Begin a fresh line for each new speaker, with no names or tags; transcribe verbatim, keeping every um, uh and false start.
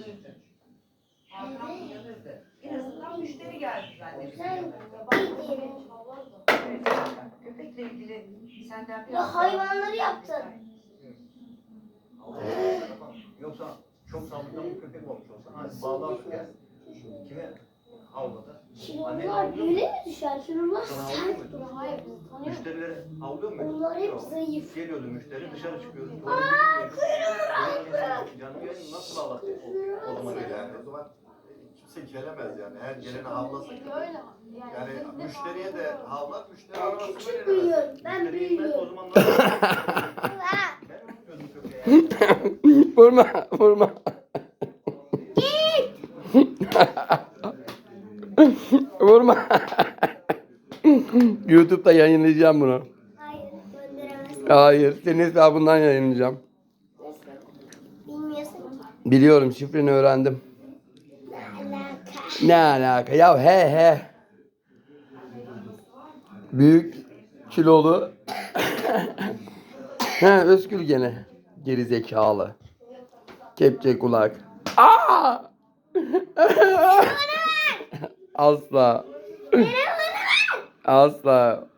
uyanırdı. Hakan uyanırdı. En azından müşteri geldi zannedildi. Evet, köpekle ilgili senden biraz...
Ya hayvanları yaptın.
Yoksa çok saldırgan bir köpek olmuş olsa hani bağlarsın yani. Kime havladı?
Şinurlar böyle mi düşer? Şinurlar sert durur. Hayır, biz tanıyoruz.
Müşterileri havlıyor mu?
Onlar hep zayıf.
Geliyordu müşteri dışarı çıkıyordu.
Aaa kuyruğunu bırak.
Canım yerim nasıl ağlattı o, o zaman yani. O zaman kimse gelemez yani. Her gelene havlasın. Yani müşteriye de havlar, müşteri
Ben
havlasın.
küçük büyüyorum. Ben büyüyorum.
O zaman nasıl? Ben tutuyordum köpeğe.
Vurma, vurma.
Git.
Vurma. YouTube'da yayınlayacağım bunu.
Hayır gönderemezsin.
Hayır, senin hesabından yayınlayacağım.
Nasıl? Bilmiyorsun ki.
Biliyorum, şifreni öğrendim.
Ne alaka?
Ne alaka? Ya he he. Büyük, kilolu. He, Özgür gene. Geri zekalı. Kepçe kulak. Aa! Asla. Asla.